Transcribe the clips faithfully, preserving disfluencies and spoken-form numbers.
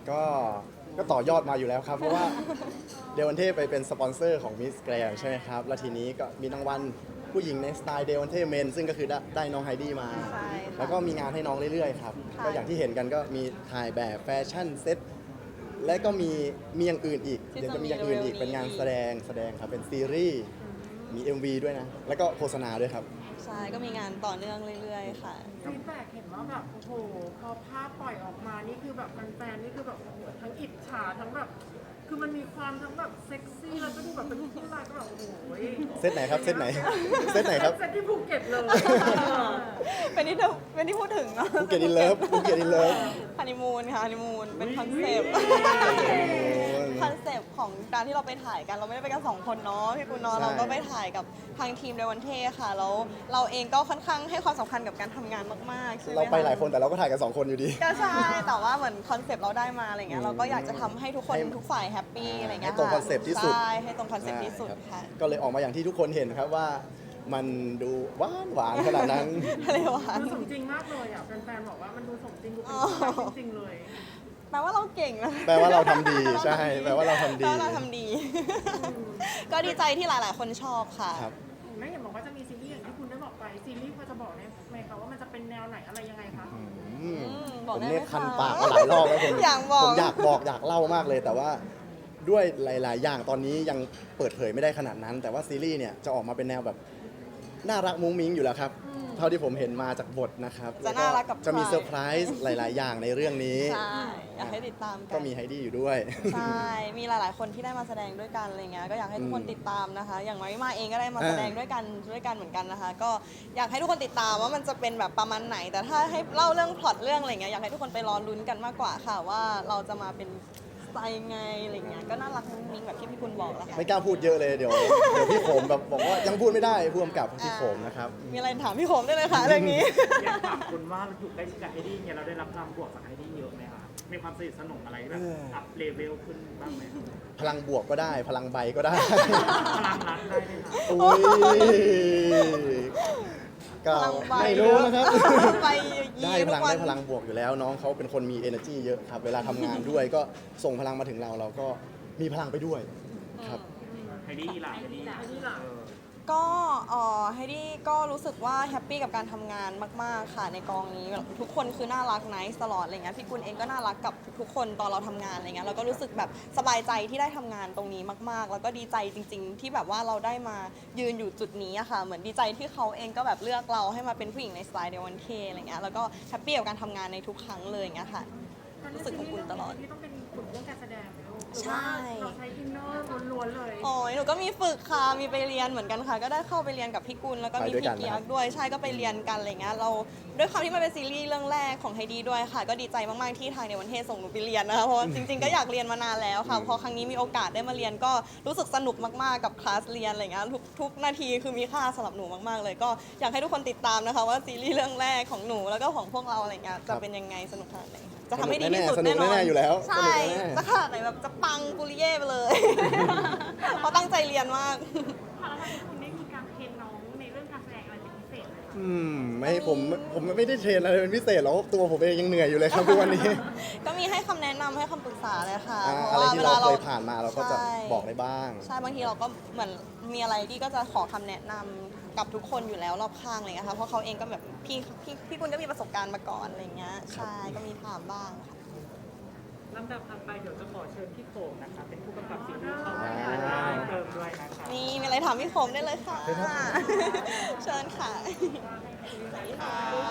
ก็ก็ต่อยอดมาอยู่แล้วครับเพราะว่าเดวันเทไปเป็นสปอนเซอร์ของมิสแกรนใช่ไหมครับแล้วทีนี้ก็มีรางวัลผู้หญิงในสไตล์เดวันเทเมนซึ่งก็คือได้ได้น้องไฮดี้มาใช่ค่ะแล้วก็มีงานให้น้องเรื่อยๆครับค่ะก็อย่างที่เห็นกันก็มีถ่ายแบบแฟชั่นเซ็ตและก็มีมีอย่างอื่นอีกที่เดี๋ยวจะจะมีมีอย่างอื่นอีกเร็วๆนี้เป็นงานแสดงแสดงครับเป็นซีรีส์มี เอ็ม วี ด้วยนะแล้วก็โฆษณาด้วยครับใช่ก็มีงานต่อเนื่องเรื่อยๆค่ะฟีดแบ็กเห็นว่าแบบโอ้โหพอภาพปล่อยออกมานี่คือแบบแฟนๆนี่คือแบบโอ้โหทั้งอิจฉาทั้งแบบคือมันมีความทั้งแบบเซ็กซี่แล้วก็ดูแบบเป็นผู้ชายก็แบบโอ้โหเซตไหนครับเซตไหนเซตไหนครับเซตที่ภูเก็ตเลยเป็นที่เป็นที่พูดถึงเนาะภูเก็ตอินเลิฟภูเก็ตอินเลิฟฮันนีมูนค่ะฮันนีมูนเป็นคอนเซปต์คอนเซปต์ของการที่เราไปถ่ายกันเราไม่ได้ไปกันสองคนเนาะพี่ปุณเนาะใช่เราก็ไปถ่ายกับทางทีมเดวันเทค่ะแล้วเราเองก็ค่อนข้างให้ความสำคัญกับการทำงานมากๆใช่ไหมเราไปหลายะคนแต่เราก็ถ่ายกันสองคนอยู่ดีก็ใช่แต่ว่าเหมือนคอนเซปต์เราได้มาอะไรเงี้อืยมเราก็อยากจะทำให้ทุกคนให้ทุกฝ่ายแฮปปี้อะไรเงี้ยให้ตรงคอนเซปต์ที่สุดใช่ให้ตรงคอนเซปต์ที่สุดใช่ครับค่ะก็เลยออกมาอย่างที่ทุกคนเห็นครับว่ามันดูหวานหวานขนาดนั้นอะไรวะมันสมจริงมากเลยอ่ะแฟนๆบอกว่ามันดูสมจริงดูเป็นอ๋อผู้ชายจริงๆเลยแปลว่าเราเก่งนะแปลว่าเราทำดีใช่แปลว่าเราทำดีแปลว่าเราทำดี ก็ดีใจที่หลาย ๆ คนชอบค่ะครับไม่เห็นบอกว่าจะมีซีรีส์อย่างที่คุณได้บอกไปซีรีส์พอจะบอกได้ไหมคะว่ามันจะเป็นแนวไหนอะไรยังไงคะอืมบอผกมได้ไหมเนี่ยคันคะปากมาหลายรอบแล้วผมอยากบอกผมอยากบอกอยากเล่ามากเลย แต่ว่าด้วยหลาย ๆ อย่างตอนนี้ยังเปิดเผยไม่ได้ขนาดนั้น แต่ว่าซีรีส์เนี่ยจะออกมาเป็นแนวแบบน่ารักมุ้งมิ้งอยู่แล้วครับ เท่าที่ผมเห็นมาจากบทนะครับจะน่ารักกับจะมีใครเซอร์ไพรส์หลาย ๆ อย่างในเรื่องนี้ใช่อยากให้ติดตามกัก็นมีไฮดี้อยู่ด้วยใช่ มีหลาย ๆ คนที่ได้มาแสดงด้วยกันอะไรเงี้ย ก็อยากให้ทุกคนอืมติดตามนะคะ อย่างน้อยมาเองก็ได้มาอ่าแสดงด้วยกันด้วยกันเหมือนกันนะคะ ก็อยากให้ทุกคนติดตามว่ามันจะเป็นแบบประมาณไหน แต่ถ้าให้เล่าเรื่องพล็อตเรื่องอะไรเงี้ย อยากให้ทุกคนไปรอลุ้นกันมากกว่าค่ะ ว่าเราจะมาเป็นสไตล์ยังไงอะไรเงี้ย ก็น่ารักมุ้งมิ้งแบบที่พี่คุณบอกแหละค่ะไม่กล้าพูดเยอะเลยเดี๋ยวเดี๋ยวพี่โขมแบบบอกว่ายังพูดไม่ได้ผู้กำกับพี่โขมนะครับมีอะไรถามพี่โขมได้เลยค่ะเรื่องนี้อยากถามคุณว่าเราอยู่ใกล้ชิดกับไฮดี้เนี่ยเราได้รับพลังบวกจากไฮดี้เยอะไหมคะมีความสนิทสนมอะไรแบบเอออัอัพเลเวลขึ้นบ้างไหมคะพลังบวกก็ได้ พลังใบก็ได้พลังรักได้ไหมคะอุ้ยก็พลังใบไม่รู้นะครับไปได้ยีพทุลังกวัได้นพลังบวกอยู่แล้ว น้องเขาเป็นคนมี energy เยอะครับ เวลาทำงานด้วยก็ส่งพลังมาถึงเราเราก็มีพลังไปด้วยครับไฮดี้ล่ะไฮดี้ไฮดี้ล่ะเออก็เอ่อไฮดี้ก็รู้สึกว่าแฮปปี้กับการทำงานมาก ๆ ค่ะในกองนี้แบบทุกคนคือน่ารักไนท์ตลอดอะไรเงี้ยพี่กุลเองก็น่ารักกับทุกๆคนตอนเราทำงานอะไรเงี้ยเราก็รู้สึกแบบสบายใจที่ได้ทำงานตรงนี้มากๆ แล้วก็ดีใจจริง ๆ ที่แบบว่าเราได้มายืนอยู่จุดนี้อะค่ะเหมือนดีใจที่เขาเองก็แบบเลือกเราให้มาเป็นผู้หญิงในสไตล์เดวันเคอะไรเงี้ยแล้วก็แฮปปี้กับการทำงานในทุกครั้งเลยอย่างเงี้ยค่ะ รู้สึกอบอุ่นตลอดที่ต้องเป็นฝึกเรื่องการแสดงไหมลูกหรือใช่ว่าเราใช้อินเนอร์ล้วนๆเลยโอ้ยหนูก็มีฝึกค่ะ มีไปเรียนเหมือนกันค่ะ ก็ได้เข้าไปเรียนกับพี่กุลแล้วก็มีไปด้วยกัพี่นเกียนะครักบด้วย ใช่ ก็ไปเรียนกันอะไรเงี้ย เราด้วยความที่มันเป็นซีรีส์เรื่องแรกของไฮดีด้วยค่ะ ก็ดีใจมากๆที่ทางในวันเทศส่งหนูไปเรียนนะคะ เพราะว่าจริงๆ ก็อยากเรียนมานานแล้วค่ะ พอครั้งนี้มีโอกาสได้มาเรียนก็รู้สึกสนุกมากๆ กับคลาสเรียนอะไรเงี้ย ทุกทุกนาทีคือมีค่าสำหรับหนูมากๆเลย ก็อยากให้ทุกคนติดตามนะคะว่าซีรีส์เรื่องแรกของหนูแล้วก็ของพวกเราอะไรเงี้ย จะเป็นยังไงสนุกขนาดไหนจะทำให้ดีที่สุดสนุแน่กนอนแน่ๆอยู่แล้วใช่สนุกแน่ๆจะขนาดไหนแบบจะปังปุริเย่ไปเลย เพราะตั้งใจเรียนมากพอแล้วคุณได้มีการเทรนน้องในเรื่องการแสดงอะไรเป็นพิเศษไหมคะอืมไม่ผมผมไม่ได้เทรนอะไรเป็นพิเศษหรอกตัวผมเองยังเหนื่อยอยู่เลยครับทุกวันนี้ก็มีให้คำแนะนำให้คำปรึกษาเลยค่ะอ่าเพอะไรราะว่าที่เวเราลาเราเคยผ่านมาเราก็จะใช่บอกได้บ้างใช่บางทีเราก็เหมือนมีอะไรที่ก็จะขอคำแนะนำกับทุกคนอยู่แล้วรอบข้างอะไรเงี้ยค่ะเพราะเขาเองก็แบบพี่พี่พี่กุลก็มีประสบการณ์มาก่อนอะไรเงี้ยใช่ก็มีถามบ้างค่ะลำดับถัดไปเดี๋ยวจะขอเชิญพี่โขงนะคะ เป็นผู้กำกับซีรีส์เข้ามาเพิ่มด้วยนะคะนี่มีอะไรถามพี่คมได้เลยค่ะ เชิญค่ะค่ะ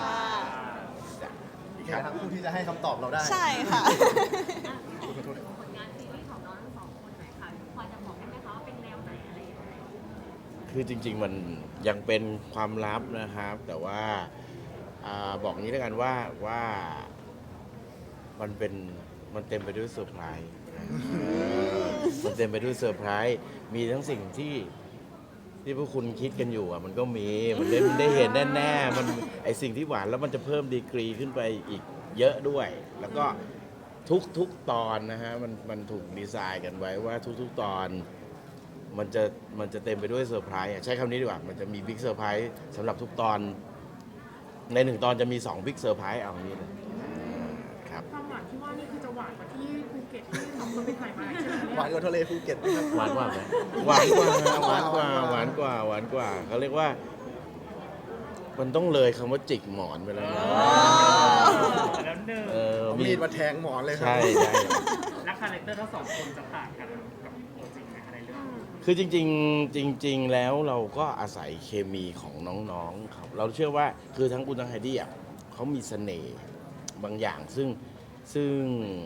อีกทั้งผู้ที่จะให้คำตอบเราได้ใช่ค่ะผลงานซีรีส์ของน้องทั้งสองคนหน่อยค่ะพอจะบอกได้ไหมคะว่าเป็นแนวไหนอะไรยังไงคือจริงๆมันยังเป็นความลับนะครับ แต่ว่าอาบอกงี้แล้วกันว่าว่ามันเป็นมันเต็มไปด้วยเซอร์ไพรส์มันเต็มไปด้วยเซอร์ไพรส์มีทั้งสิ่งที่ที่พวกคุณคิดกันอยู่อ่ะมันก็มีมันได้มันได้เห็นแน่ๆมันไอสิ่งที่หวานแล้วมันจะเพิ่มดีกรีขึ้นไปอีกเยอะด้วย แล้วก็ทุกทุกตอนนะฮะมันมันถูกดีไซน์กันไว้ว่าทุกๆตอน มันจะมันจะเต็มไปด้วยเซอร์ไพรส์อ่ะใช้คำนี้ดีกว่ามันจะมีบิ๊กเซอร์ไพรส์สำหรับทุกตอน ในหนึ่งตอนจะมีสองบิ๊กเซอร์ไพรส์เอาอย่างนี้เลยครับความหวานที่ว่านี่คือจะหวานกว่าที่มันเป็นไข่ไม้ใช่ไหมหวานกว่าทะเลภูเก็ตนะครับหวานกว่าไหมหวานกว่าหวานกว่าหวานกว่าหวานกว่าเขาเรียกว่า มันต้องเลยคำว่าจิกหมอนไปแล้วนะแล้วหนึ่งเออเอามีดมาแทงหมอนเลยครัใช่ใช่และคาแรคเตอร์ทั้งสองคนจะต่างกันกับตัวจริงไหมคะในเรื่องคือจริงๆจริง ๆ แล้วเราก็อาศัยเคมีของน้องๆครับเราเชื่อว่าคือทั้งคุณทั้งไฮดี้อ่ะเขามีเสน่ห์บางอย่างซึ่งซึ่ง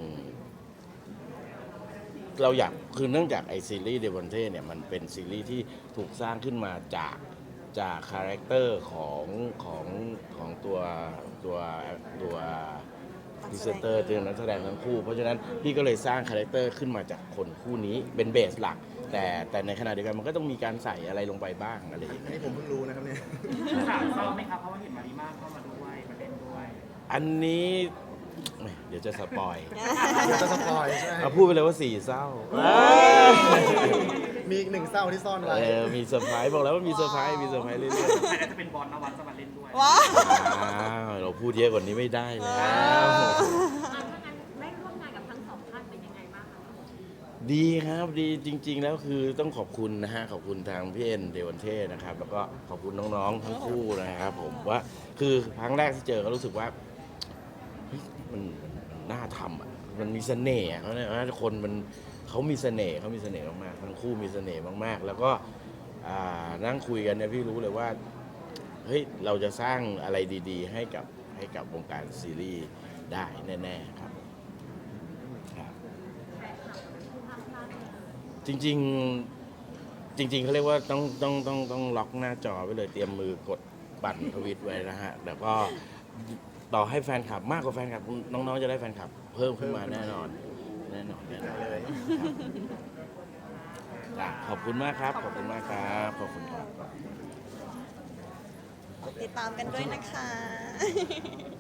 เราอยากคือเนื่องจากไอซีรีส์เดวอนเท่เนี่ยมันเป็นซีรีส์ที่ถูกสร้างขึ้นมาจากจากคาแรคเตอร์ของของของตัวตัวตัวพรีเซนเตอร์ตัวนักแสดงทั้งคู่ เพราะฉะนั้นพี่ก็เลยสร้างคาแรคเตอร์ขึ้นมาจากคนคู่นี้เป็นเบสหลัก แต่แต่ในขณะเดียวกันมันก็ต้องมีการใส่อะไรลงไปบ้างอะไรอย่างอันเงี้ยนี้ผมเพิ่งรู้นะครับเนี่ยถามเศร้าไหมครับเพราะว่าเห็นมาริมาเข้ามาด้วยมาเล่นด้วยอันนี้แหมเดี๋ยวจะสปอยเดี๋ยวจะสปอยใช่ไหมเอาพูดไปเลยว่าสี่เศร้ามีอีกหนึ่งเศร้าที่ซ่อนไว้เออมีเซอร์ไพรส์บอกแล้วว่ามีเซอร์ไพรส์มีเซอร์ไพรส์เรื่อยใครน่าจะเป็นบอลนวัดจะมาเล่นด้วยว้าๆอ้าวเราพูดเยอะกว่านี้ไม่ได้แล้วอ่ะถ้างั้นได้ร่วมงานกับทั้งสองท่านเป็นยังไงบ้างคะดีครับดีจริง ๆ แล้วคือต้องขอบคุณนะฮะขอบคุณทางพี่เอ็นเดวันเท่นะครับ แล้วก็ขอบคุณน้องๆทั้งคู่นะครับผมว่าคือครั้งแรกที่เจอก็รู้สึกว่าเฮ้ยมันมันน่าทำอ่ะมันมีเสน่ห์อะเขาเนี่ยนะคนมันเขามีเสน่ห์เขามีเสน่ห์มากๆทั้งคู่มีเสน่ห์มากๆ แล้วก็อ่านั่งคุยกันเนี่ยพี่รู้เลยว่าเฮ้ยเราจะสร้างอะไรดีๆ ให้กับให้กับวงการซีรีส์ได้แน่ๆครับครับแฟนคลับผู้ห้ามพลาดเลยจริงๆจริง ๆเขาเรียกว่าต้องต้องต้องต้องล็อกหน้าจอไว้เลยเตรียมมือกดปั่นทวิตไว้นะฮะแต่ก็ต่อให้แฟนคลับมากกว่าแฟนคลับน้องๆจะได้แฟนคลับ เพิ่มขึ้นมาแน่นอนแน่นอนแน่นอนเลยจ้ะขอบคุณมากครับ ขอบคุณมากครับขอบคุณครับติดตามกันด้วยนะคะ